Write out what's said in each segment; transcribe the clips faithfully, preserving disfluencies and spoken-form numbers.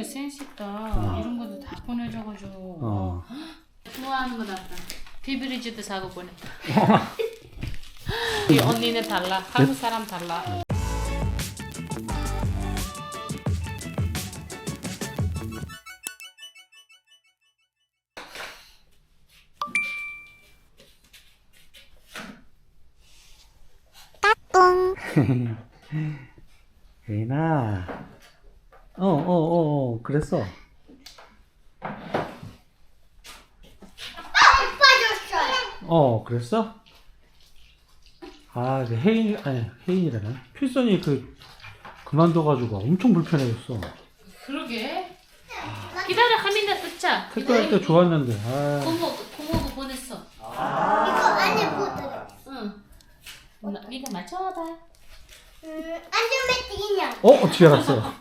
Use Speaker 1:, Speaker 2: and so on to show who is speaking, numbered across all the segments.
Speaker 1: 센스 있다.
Speaker 2: 어.
Speaker 1: 이런 것도 다 보내줘가지고.
Speaker 2: 어.
Speaker 1: 좋아하는 거 같다. 비브리지도 사고 보냈다. 이 언니는 달라. 한국 사람 달라.
Speaker 2: 예인아. 어, 어, 어, 어, 그랬어. 어, 그랬어? 아, 그 혜인, 아니, 혜인이라네. 필선이 그, 그만둬가지고 엄청 불편해졌어.
Speaker 1: 그러게. 기다려, 하민아 뜯자.
Speaker 2: 택배할 때 좋았는데, 아.
Speaker 1: 고모, 고모도 보냈어.
Speaker 3: 이거 안에 뭐 들어?
Speaker 1: 응. 나, 이거 맞춰봐.
Speaker 3: 음, 안전벨트 인형.
Speaker 2: 어? 어떻게 알았어?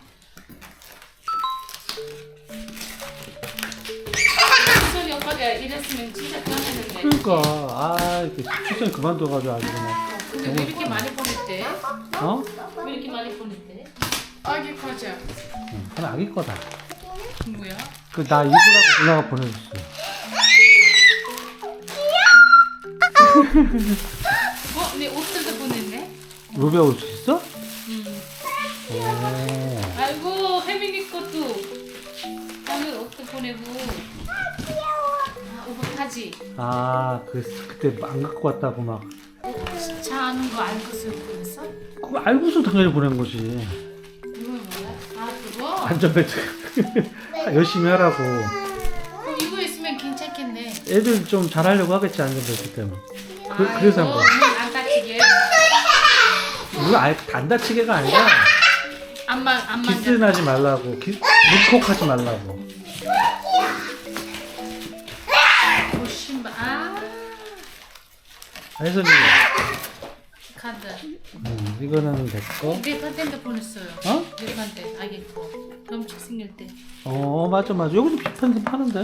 Speaker 1: 수이 오빠가 이랬으면 진짜 편했는데.
Speaker 2: 그러니까, 아, 이렇게 필선이 그만둬가지고 아주 그냥.
Speaker 1: 근데 왜 이렇게 많이 보냈대?
Speaker 2: 어?
Speaker 1: 왜 이렇게 많이 보냈대? 아기 과자.
Speaker 2: 응, 그건 아기 거다.
Speaker 1: 뭐야?
Speaker 2: 그, 나 입으라고 누나가 보내줬어.
Speaker 1: 어? 내 옷들도 보냈네?
Speaker 2: 루비아 올 수 있어?
Speaker 1: 응.
Speaker 2: 오.
Speaker 1: 아이고, 혜민이 것도. 오늘 옷도 보내고. 아, 오빠 타지?
Speaker 2: 아, 그, 그때 안 갖고 왔다고 막.
Speaker 1: 차 아는 거 알고서 보냈어?
Speaker 2: 그거 알고서 당연히 보낸 거지.
Speaker 1: 그거 뭐야? 아, 그거?
Speaker 2: 안전벨트. 열심히 하라고.
Speaker 1: 그럼 이거 있으면 괜찮겠네.
Speaker 2: 애들 좀 잘하려고 하겠지, 안전벨트 때문에. 그, 그래서 한 거야.
Speaker 1: 안 다치게.
Speaker 2: 이거 아예 안 다치게가 아니라
Speaker 1: 안만 안만.
Speaker 2: 키스는 하지 말라고. 키, 물콕 하지 말라고.
Speaker 1: 오 신발. 아
Speaker 2: 혜선이,
Speaker 1: 카드.
Speaker 2: 음, 이거는 내 거.
Speaker 1: 내 카드도 보냈어요.
Speaker 2: 어?
Speaker 1: 내 카드 아기 거. 덤치 생길 때.
Speaker 2: 어, 맞아, 맞아. 여기도 비판도 파는데.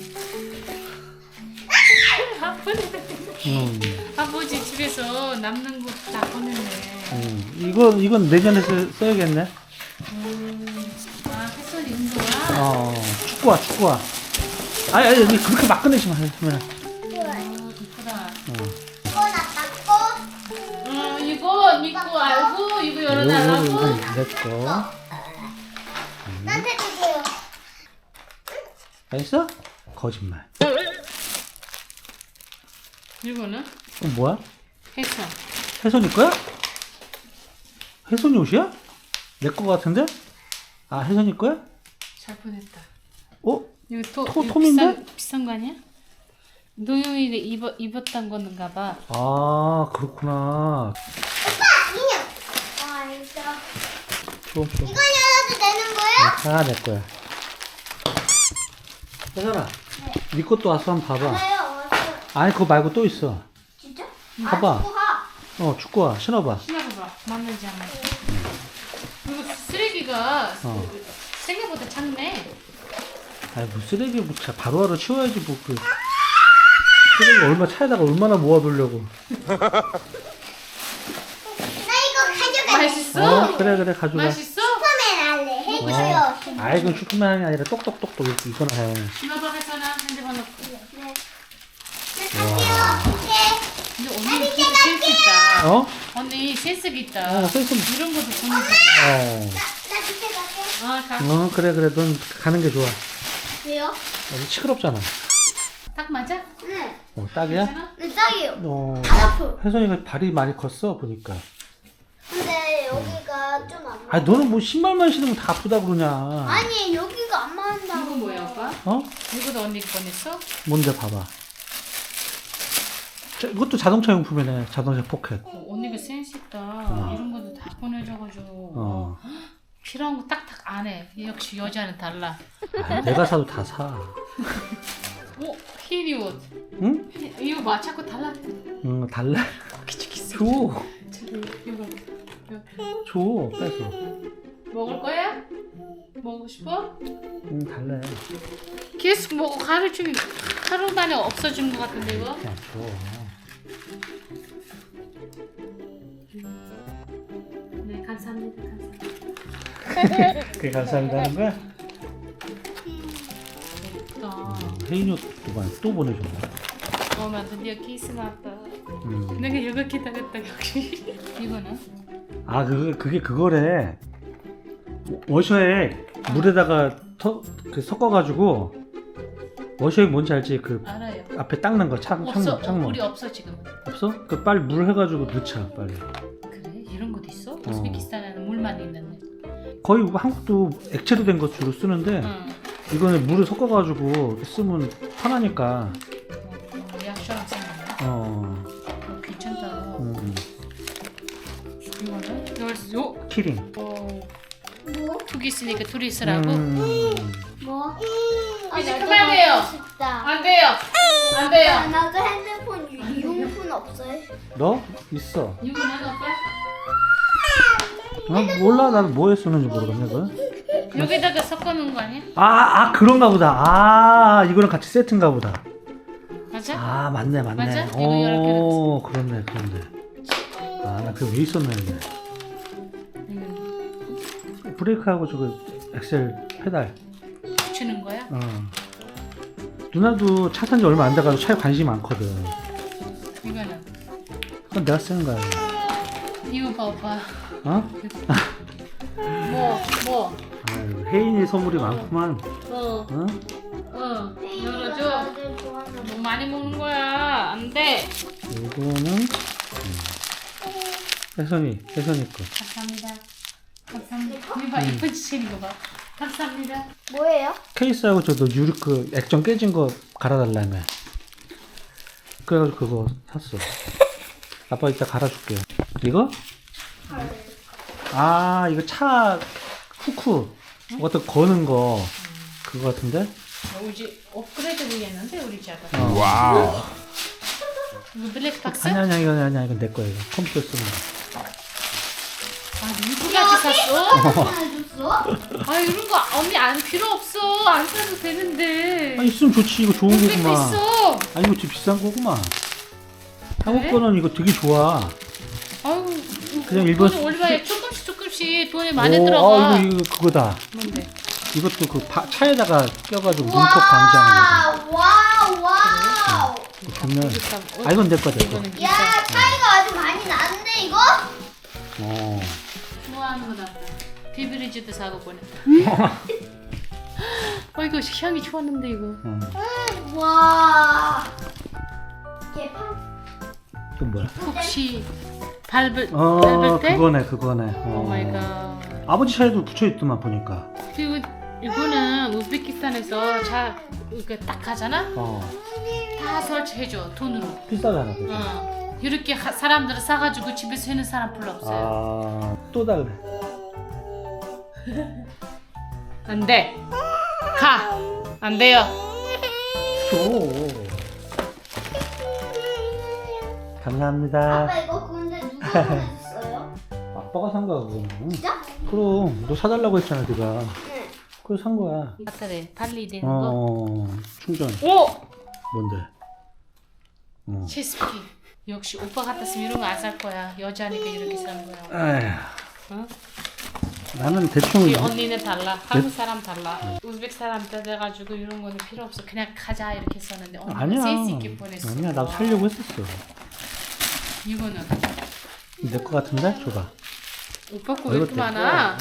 Speaker 1: 아버지
Speaker 2: 음,
Speaker 1: 아버지 집에서 남는 거 다 보냈네.
Speaker 2: 음. 이건, 이건 내년에 쓰, 써야겠네.
Speaker 1: 음, 아 햇솔이 운동화.
Speaker 2: 어, 축구화, 축구화. 아니, 아니, 아니, 그렇게 막 꺼내지 마, 혜선아.
Speaker 1: 어, 이쁘다.
Speaker 2: 어.
Speaker 3: 이거 나 닦고.
Speaker 1: 어 이거 믿고 알고 이거
Speaker 2: 이거,
Speaker 1: 열어달라고.
Speaker 2: 이거 내 거.
Speaker 3: 나한테 주세요.
Speaker 2: 알겠어? 거짓말.
Speaker 1: 이거는
Speaker 2: 이건 뭐야?
Speaker 1: 했어.
Speaker 2: 혜선이 거야? 혜선이 옷이야? 내 거 같은데? 아, 혜선이 거야?
Speaker 1: 잘 보냈다.
Speaker 2: 어?
Speaker 1: 이거 토,
Speaker 2: 토-
Speaker 1: 이거
Speaker 2: 톰인데?
Speaker 1: 비싼, 비싼 거 아니야? 노용이가 입어, 입었던 거는 봐.
Speaker 2: 아, 그렇구나.
Speaker 3: 인형. 아, 이거.
Speaker 2: 좀, 좀.
Speaker 3: 이거 열어도 되는 거야?
Speaker 2: 다 내 거야. 혜선아, 네 것도 와서 한번 봐봐.
Speaker 3: 알아요. 왔어.
Speaker 2: 아니, 그거 말고 또 있어.
Speaker 3: 진짜?
Speaker 2: 봐봐.
Speaker 3: 아, 축구화.
Speaker 2: 어, 축구화. 신어봐.
Speaker 1: 신어봐봐. 맞는지 안 맞는지. 그리고 쓰레기가
Speaker 2: 어.
Speaker 1: 생각보다 작네.
Speaker 2: 아니, 뭐 쓰레기 뭐 자- 바로바로 치워야지, 뭐, 그. 쓰레기 얼마, 차에다가 얼마나 모아두려고.
Speaker 3: 나 이거 가져갈래.
Speaker 1: 맛있어?
Speaker 2: 어, 그래, 그래, 가져가.
Speaker 1: 맛있어?
Speaker 3: 슈퍼맨 할래. 해줘요.
Speaker 2: 어. 아이, 그건 슈퍼맨이 아니라 똑똑똑똑 이렇게 이거나 해.
Speaker 1: 신어봐 해서나 핸드폰 넣고.
Speaker 3: 네. 나 갈게요. 네.
Speaker 1: 근데 언니 진짜 센스 있다.
Speaker 2: 어?
Speaker 1: 언니 센스 있다.
Speaker 2: 어, 센스.
Speaker 1: 이런 것도 보내주고.
Speaker 2: 어.
Speaker 3: 나, 나 밑에 갈게.
Speaker 1: 아, 가.
Speaker 2: 어, 그래, 그래. 넌 가는 게 좋아.
Speaker 3: 왜요?
Speaker 2: 여기 시끄럽잖아.
Speaker 1: 딱 맞아?
Speaker 3: 네.
Speaker 2: 어, 딱이야?
Speaker 1: 괜찮아?
Speaker 3: 네, 딱이요.
Speaker 2: 어.
Speaker 3: 앞으로.
Speaker 2: 혜선이가 발이 많이 컸어, 보니까.
Speaker 3: 근데 여기가 좀 안.
Speaker 2: 아, 너는 뭐 신발만 신으면 다 아프다 그러냐.
Speaker 3: 아니, 여기가 안 맞는다고.
Speaker 1: 이거 뭐야 오빠?
Speaker 2: 어?
Speaker 1: 이거도 언니가 보냈어?
Speaker 2: 뭔데, 봐봐. 자, 이것도 자동차 용품이네. 자동차 포켓.
Speaker 1: 어, 언니가 센스 있다.
Speaker 2: 어.
Speaker 1: 이런 것도 다 보내줘가지고.
Speaker 2: 어.
Speaker 1: 필요한 거 딱딱 안 해. 역시 여자는 달라.
Speaker 2: 아, 내가 사도 다 사.
Speaker 1: 오, 흰이 옷.
Speaker 2: 응?
Speaker 1: 흰- 이거 봐, 자꾸 달라.
Speaker 2: 응, 달래.
Speaker 1: 기죽겠어.
Speaker 2: 줘.
Speaker 1: 이거
Speaker 2: 줘. 뺏어.
Speaker 1: 먹을 거야? 먹고 싶어?
Speaker 2: 응, 달래.
Speaker 1: 계속 먹고 하루 종일 하루 만에 없어진 것 같은데 이거?
Speaker 2: 그냥 줘.
Speaker 1: 네, 감사합니다. 감사합니다.
Speaker 2: 그게 감사합니다 하는 거야? 혜인이 옷 또 보내줬네.
Speaker 1: 엄마 드디어 키스 나왔다.
Speaker 2: 음.
Speaker 1: 내가 이거 기다렸다 역시. 이거는?
Speaker 2: 아 그게 그게 그거래. 워셔액 물에다가 터, 그 섞어가지고 워셔액 뭔지 알지? 그
Speaker 1: 알아요.
Speaker 2: 앞에 닦는 거 창,
Speaker 1: 없어.
Speaker 2: 창문 창문
Speaker 1: 우리 없어 지금.
Speaker 2: 없어? 그 빨리 물 해가지고 넣자 빨리.
Speaker 1: 그래? 이런 것도 있어? 우즈베키스탄에는 물만 있는데.
Speaker 2: 거의 한국도 액체로 된 거 주로 쓰는데
Speaker 1: 응.
Speaker 2: 이거는 물을 섞어가지고 이렇게 쓰면 편하니까.
Speaker 1: 어, 약처럼 생겼네.
Speaker 2: 어.
Speaker 1: 어, 괜찮다.
Speaker 2: 음.
Speaker 1: 이거는? 이걸 요?
Speaker 2: 키링.
Speaker 1: 어,
Speaker 3: 뭐?
Speaker 1: 두개 있으니까 둘이 쓰라고?
Speaker 2: 음.
Speaker 3: 뭐?
Speaker 1: 이제
Speaker 3: 나도
Speaker 1: 그만해요.
Speaker 3: 하고 싶다.
Speaker 1: 안 돼요. 안 돼요.
Speaker 3: 아, 나도 핸드폰 유- 이용폰 없어요.
Speaker 2: 너 있어?
Speaker 1: 이거는 오빠?
Speaker 2: 어? 몰라 나도 뭐에 쓰는지 모르겠네 그거.
Speaker 1: 여기다가 섞어놓은 거 아니야?
Speaker 2: 아, 아 그런가 보다. 아 이거랑 같이 세트인가 보다.
Speaker 1: 맞아?
Speaker 2: 아 맞네 맞네.
Speaker 1: 맞아? 이거
Speaker 2: 오 그렇네 그렇네. 아나 그거 왜 있었네 이게.
Speaker 1: 이거
Speaker 2: 브레이크하고 저거 엑셀 페달.
Speaker 1: 주는 거야?
Speaker 2: 어. 누나도 차 산지 얼마 안 돼가지고 차에 관심이 많거든.
Speaker 1: 이거는?
Speaker 2: 그건 내가 쓰는 거야.
Speaker 1: 이거 봐 오빠.
Speaker 2: 어?
Speaker 1: 뭐? 뭐?
Speaker 2: 아유, 혜인이 선물이 많구만.
Speaker 1: 어.
Speaker 2: 어?
Speaker 1: 어. 열어줘.
Speaker 3: 나도 좋아하는
Speaker 1: 너무 많이 먹는 거야. 안 돼.
Speaker 2: 이거는 음. 혜선이 혜선이 거.
Speaker 1: 감사합니다. 감사합니다. 이거 봐. 이쁜 짓인 거 봐. 감사합니다.
Speaker 3: 뭐예요?
Speaker 2: 케이스하고 저도 유리 그 액정 깨진 거 갈아달라며. 그래가지고 그거 샀어. 아빠 이따 갈아줄게. 이거? 아 이거 차 후크 어떤 거는 거 그거 같은데?
Speaker 1: 어, 우리 업그레이드 되겠는데 우리 집가.
Speaker 2: 어.
Speaker 4: 와우.
Speaker 1: 이거 블랙박스?
Speaker 2: 아니 아니 이거 아니 이건 내 거야 이거 컴퓨터 쓰는 거.
Speaker 1: 아 누구까지 샀어?
Speaker 3: 줬어?
Speaker 1: 아 이런 거 언니 안 필요 없어. 안 사도 되는데.
Speaker 2: 아 있으면 좋지 이거 좋은
Speaker 1: 백
Speaker 2: 거구만.
Speaker 1: 있어.
Speaker 2: 아니 이거 되게 비싼 거구만. 한국
Speaker 1: 그래?
Speaker 2: 거는 이거 되게 좋아.
Speaker 1: 아유
Speaker 2: 그냥 일본
Speaker 1: 돈이 얼마에 조금씩 조금씩 돈이 많이
Speaker 2: 오,
Speaker 1: 들어가.
Speaker 2: 아, 이거 이거 그거다.
Speaker 1: 뭔데?
Speaker 2: 이것도 그 바, 차에다가 껴가지고 문턱 방지하는 거.
Speaker 3: 와우 와우.
Speaker 2: 보면 아 이건 내 거야 내 거.
Speaker 1: 이거는
Speaker 3: 야
Speaker 1: 비싸.
Speaker 3: 차이가 아주 많이 나는데 이거?
Speaker 2: 어.
Speaker 1: 좋아하는 거다. 비브리지도 사고 보냈다. 어 이거 향이 좋았는데 이거.
Speaker 2: 음.
Speaker 3: 음, 와. 개판.
Speaker 2: 또 뭐야?
Speaker 1: 혹시 밟을
Speaker 2: 어
Speaker 1: 밟을 때?
Speaker 2: 그거네 그거네.
Speaker 1: 오
Speaker 2: 어.
Speaker 1: 마이 갓.
Speaker 2: 아버지 차에도 붙여 있더만 보니까.
Speaker 1: 그리고 이거는 우즈베키스탄에서 자 이렇게 딱 하잖아.
Speaker 2: 어.
Speaker 1: 다 설치해줘 돈으로.
Speaker 2: 비싸잖아 그죠?
Speaker 1: 어. 이렇게 하, 사람들을 사가지고 집에서 해는 사람 별로 없어요.
Speaker 2: 아또 다르네.
Speaker 1: 안 돼. 가. 안 돼요.
Speaker 2: 줘. 감사합니다.
Speaker 3: 아빠 이거 근데 누가 보내줬어요?
Speaker 2: 아빠가 산 거야 그거는.
Speaker 3: 진짜?
Speaker 2: 그럼 너 사달라고 했잖아 네가.
Speaker 3: 네.
Speaker 2: 그래서 산 거야.
Speaker 1: 맞다래. 달리 되는 거.
Speaker 2: 어 충전.
Speaker 1: 오.
Speaker 2: 뭔데? 어.
Speaker 1: 체스피. 역시 오빠 같았으면 이런 거 안 살 거야. 여자니까 이렇게 사는 거야.
Speaker 2: 에휴,
Speaker 1: 어?
Speaker 2: 나는 대충
Speaker 1: 이 언니는 달라. 한국 사람 달라. 우즈벡 사람 돼가지고 이런 거는 필요 없어. 그냥 가자 이렇게 썼는데 언니는
Speaker 2: 아니야.
Speaker 1: 센스 있게 보냈어.
Speaker 2: 아니야 나도 살려고 했었어.
Speaker 1: 이거는
Speaker 2: 내 거 같은데? 줘봐.
Speaker 1: 오빠 거
Speaker 2: 어,
Speaker 1: 왜
Speaker 2: 이거
Speaker 1: 이렇게 많아?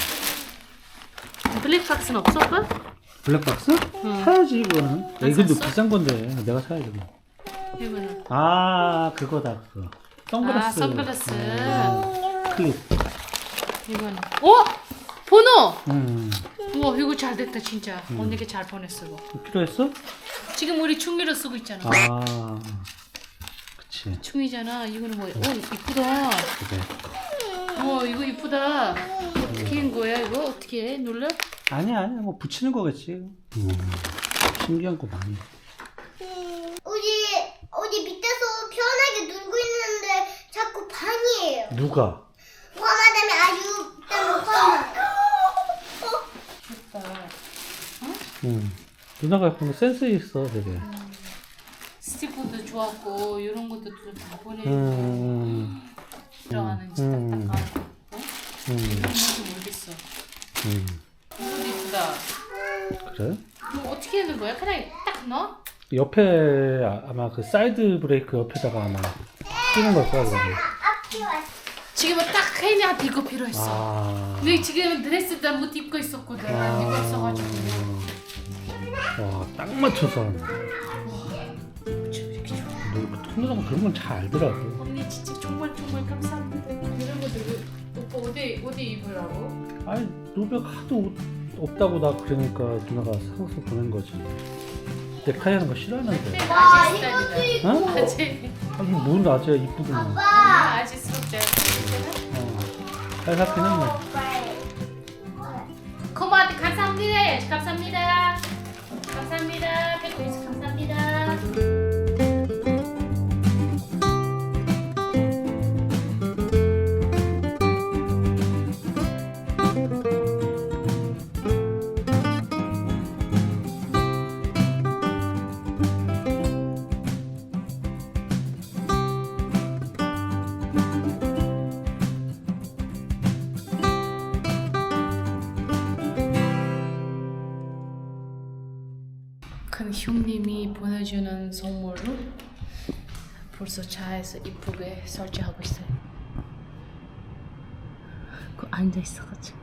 Speaker 1: 블랙박스는 없어 오빠?
Speaker 2: 블랙박스?
Speaker 1: 응.
Speaker 2: 사야지 이거는. 야, 이것도
Speaker 1: 샀어?
Speaker 2: 비싼 건데 내가 사야지. 뭐.
Speaker 1: 이거는
Speaker 2: 아 그거다 그거. 선글라스.
Speaker 1: 아 선글라스.
Speaker 2: 음, 클립.
Speaker 1: 이거는 어? 번호!
Speaker 2: 음.
Speaker 1: 우와 이거 잘 됐다 진짜. 언니가 잘 보냈어 이거.
Speaker 2: 필요했어?
Speaker 1: 지금 우리 중미로 쓰고 있잖아.
Speaker 2: 아. 그치.
Speaker 1: 중이잖아. 이거는 뭐야? 오 이쁘다.
Speaker 2: 그래.
Speaker 1: 어 이거 이쁘다. 어떻게 한 거야 이거? 어떻게 해? 눌러?
Speaker 2: 아니야 아니야 뭐 붙이는 거겠지. 음. 신기한 거 많이.
Speaker 3: 어디 어디 밑에서 편하게 놀고 있는데 자꾸 반이에요.
Speaker 2: 누가?
Speaker 3: 화나다면 아주 때문에 화나.
Speaker 1: 좋다.
Speaker 2: 음. 누나가 보면 센스 있어 되게.
Speaker 1: 스티커도 좋았고 이런 것도 다 보내주고
Speaker 2: 음.
Speaker 1: 들어가는지
Speaker 2: 음.
Speaker 1: 딱딱하고 어?
Speaker 2: 음.
Speaker 1: 이런 건지 모르겠어.
Speaker 2: 음.
Speaker 1: 이것도 이쁘다.
Speaker 2: 그래?
Speaker 1: 뭐 어떻게 하는 거야? 그냥 딱 넣어?
Speaker 2: 옆에 아- 아마 그 사이드 브레이크 옆에다가 아마 끼는 걸 거야 그러면.
Speaker 3: 앞이 왔어.
Speaker 1: 지금은 딱 혜인이한테 이거 필요했어.
Speaker 2: 아.
Speaker 1: 근데 지금 드레스도 못 입고 있었거든. 안 입고 있어가지고.
Speaker 2: 와, 딱 맞춰서. 너 통로장 그런 건 잘 알더라고.
Speaker 1: 언니 진짜 정말 정말 감사합니다. 이런 것들 오빠 어디 어디 입으라고?
Speaker 2: 아니, 노백 하도 옷 없다고 나 그러니까 누나가 사서 보낸 거지. 넥타이 하는 거 싫어하는데.
Speaker 3: 와,
Speaker 1: 아재
Speaker 3: 이것도
Speaker 1: 스타일이다.
Speaker 3: 있고.
Speaker 2: 어?
Speaker 1: 아재.
Speaker 2: 아니, 뭔 아재야, 이쁘구만.
Speaker 3: 아빠.
Speaker 1: 아, 아재스럽지 않아?
Speaker 2: 어. 잘 샀긴 했네.
Speaker 1: 고마워 감사합니다. 감사합니다. 감사합니다. 백구이스 감사합니다. 큰 형님이 보내주는 선물로 벌써 차에서 이쁘게 설치하고 있어요. 그 앉아 있어가지고.